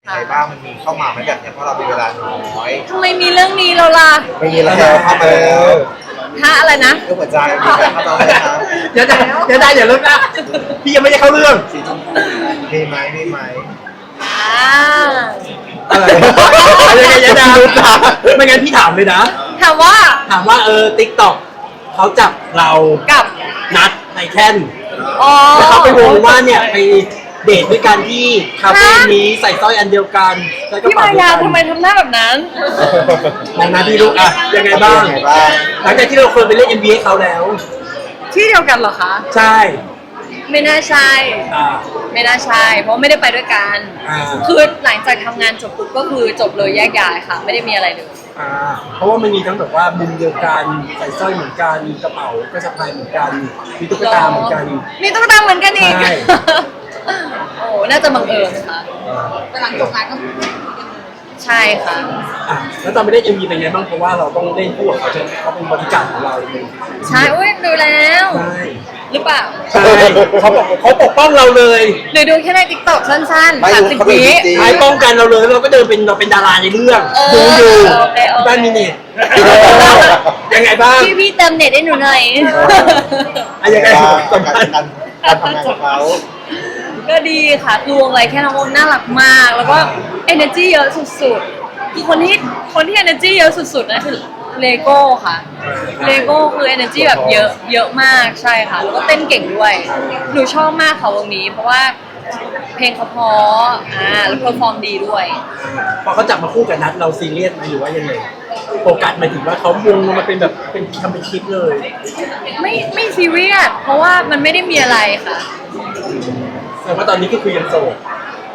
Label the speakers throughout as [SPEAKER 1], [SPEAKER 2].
[SPEAKER 1] ยังไงบ้างมันมีเข้ามาไหมแบบเนี้ยเพราะเรามีเวลาน้อย
[SPEAKER 2] ทำไมมีเรื่องนี้เราล่ะ
[SPEAKER 1] ไม่มีแล้วเข้ามาแล้ว
[SPEAKER 2] ถ้าอะไรนะ
[SPEAKER 1] เรื่องหัวใจมีแต่เข้ามาแล้วนะ
[SPEAKER 3] เดี๋ยวได้อย่าเลิกนะพี่ยังไม่ได้เข้าเรื่อง
[SPEAKER 1] มีไหมมีไหม
[SPEAKER 2] อ่า
[SPEAKER 3] อะไรยังไงไม่งั้นพี่ถามเลยนะ
[SPEAKER 2] ถามว่า
[SPEAKER 3] ถามว่าTikTok เขาจับเรา
[SPEAKER 2] กับ
[SPEAKER 3] นัดในแท่น
[SPEAKER 2] อ๋อ
[SPEAKER 3] แล้วเขาไปวงว่าเนี่ยไปเดทด้วยกันที่คาเฟ่นี้ใส่สร้อยอันเดียวกันใส่กระ
[SPEAKER 2] พี่
[SPEAKER 3] เป๋า
[SPEAKER 2] มา
[SPEAKER 3] เดีย
[SPEAKER 2] ยาว
[SPEAKER 3] กัน
[SPEAKER 2] ทำไมทำหน้าแบบนั้น
[SPEAKER 3] ดังนั้นพี่ลูกอะยังไงบ้าง
[SPEAKER 1] ยังไงบ้าง
[SPEAKER 3] หลังจากที่เราเคยไปเล่น NBA เขาแล้ว
[SPEAKER 2] ที่เดียวกันเหรอคะ
[SPEAKER 3] ใช่
[SPEAKER 2] ไม่น่าใช่
[SPEAKER 3] อ่า
[SPEAKER 2] ไม่น่าใช่ เพราะไม่ได้ไปด้วยกัน
[SPEAKER 3] อ่า
[SPEAKER 2] คือหลังจากทำงานจบปุ๊บก็คือจบเลยแยกย้ายค่ะ ไม่ได้มีอะไรเลย
[SPEAKER 3] เพราะว่ามันมีทั้งแบบว่ามุมเดียวกันใส่สร้อยเหมือนกันมีกระเป๋าก็สะพายเหมือนกันมีตุ๊กตาเหมือนกัน
[SPEAKER 2] มีตุ๊กตาเหมือนกันอีก
[SPEAKER 3] ใช่
[SPEAKER 2] โอ้น่าจะบังเอิญค่ะ
[SPEAKER 4] แต่หลังจบงานก็
[SPEAKER 2] ใช่ค่ะ
[SPEAKER 3] อ่ะแล้วตอนไปเล่น MV เป็นไงบ้างเพราะว่าเราต้องเล่นคู่กับเขาใช่ไหมเขาเป็นบริการดของเราเลย
[SPEAKER 2] ใช่อุ้ยดูแล้ว
[SPEAKER 3] ใช่
[SPEAKER 2] หรือเปล่า
[SPEAKER 3] ใช่เขาปกป้องเราเลย
[SPEAKER 2] หรือดูแค่ในติ๊กต็อกสั้น
[SPEAKER 1] ไม่
[SPEAKER 2] ๆ
[SPEAKER 1] รู้
[SPEAKER 2] 30
[SPEAKER 1] เขาเป็น
[SPEAKER 2] วิ
[SPEAKER 1] จริง
[SPEAKER 3] ท้ายป้องกันเราเลยเราก็เดินเป็นเราเป็นดาราในเรื่อง
[SPEAKER 2] เออ
[SPEAKER 3] ดูอยู่
[SPEAKER 2] โอเคโอเค
[SPEAKER 3] บ้านมีเน็ตยังไงบ้าง
[SPEAKER 2] พี่เติมเน็ตให้หนูหน่อย
[SPEAKER 3] อะยังไง
[SPEAKER 1] บ้าง
[SPEAKER 3] สัมภาษณ์
[SPEAKER 1] การทำงานของเขา
[SPEAKER 2] ก็ดีค่ะคือวงไรแค่น้องวงน่ารักมาก แล้วก็ energy เยอะสุดๆคือคนที่ energy เยอะสุดๆนะคือเลโก้ค่ะเลโก้คือ energy แบบเยอะมากใช่ค่ะ แล้วก็เต้นเก่งด้วย หนูชอบมากค่ะวงนี้ เพราะว่าเพลงเขาเพราะแล้วเพอร์ฟอร์มดีด้วย
[SPEAKER 3] พอเขาจับมาคู่กับนัดเราซีเรียสไหมหรือว่ายังไงโฟกัสหมายถึงว่าเขาวงมาเป็นแบบเป็นทำเป็นคลิปเลย
[SPEAKER 2] ไม่ซีเรียสเพราะว่ามันไม่ได้มีอะไรค่ะ
[SPEAKER 3] แต่ว่าตอนนี้ก็คือยังโสด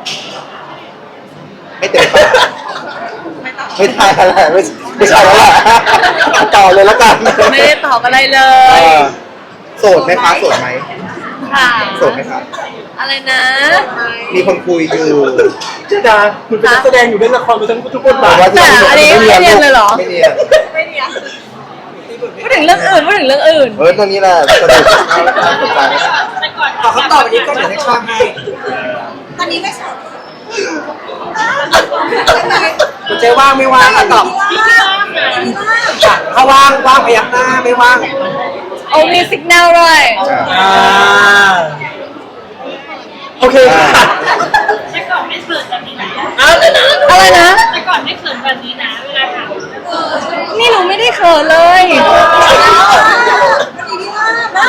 [SPEAKER 1] ไม่เต็มปากไม่ทายอะไรไม่ใช่แล้วแหละต่อเลยแล้วกัน
[SPEAKER 2] ไม่ได้ตอบอะไรเล
[SPEAKER 1] เอย อโสดไหมคะโสดไหม
[SPEAKER 2] ค่ะ
[SPEAKER 1] โสดไหมคะ
[SPEAKER 2] อะไรนะ
[SPEAKER 1] มีคนคุยอยู่
[SPEAKER 3] เจ้าดาคุณเป็นนักแสดงอยู่เล่นละครมาทั้งทุกบทบาท
[SPEAKER 2] แต่อันนี้ไม่เรียนเลยเหรอ
[SPEAKER 1] ไม่เรียน
[SPEAKER 2] พูดถึงเรื่องอื่นพูดถึงเรื่องอื่น
[SPEAKER 1] ตัวนี้แหละสนุกสนใจ
[SPEAKER 3] ขอคำตอบอันนี้ก็เดี๋ยวให้ช่างให้
[SPEAKER 4] ตอนนี้ไม่สด
[SPEAKER 3] คุณเจ๊ว่างไม่ว่างอ่ะตอบ
[SPEAKER 4] พี่ว่างพี่ว่าง
[SPEAKER 3] ถ้าว่างว่างพยักหน้าไม่ว่าง
[SPEAKER 2] โอ้มีสัญญาณด้วย
[SPEAKER 3] โอเคค่ะ
[SPEAKER 5] แต่ก่อนไม่เขินแบบนี้นะ
[SPEAKER 2] อะไรนะ
[SPEAKER 5] แต่ก่อนไม่เขินแบบนี้นะเวลาถาม
[SPEAKER 2] นี่หนูไม่ได้เขินเลย
[SPEAKER 4] วันนี้พี่ว่างนะ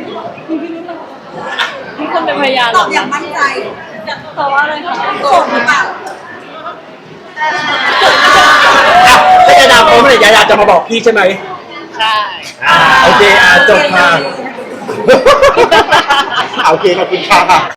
[SPEAKER 2] มีคนเป็นพยาน
[SPEAKER 4] ตอบอย่างมั่นใจ
[SPEAKER 2] ตอบว่าอะไรคะ
[SPEAKER 4] โสดหรือเปล่า
[SPEAKER 3] ถ้ายาดาพร้อมเลยยาดาจะมาบอกพี่ใช่ไหม
[SPEAKER 2] ใช่
[SPEAKER 3] โอเคจบค่ะ
[SPEAKER 1] โอเคขอบคุณค่ะ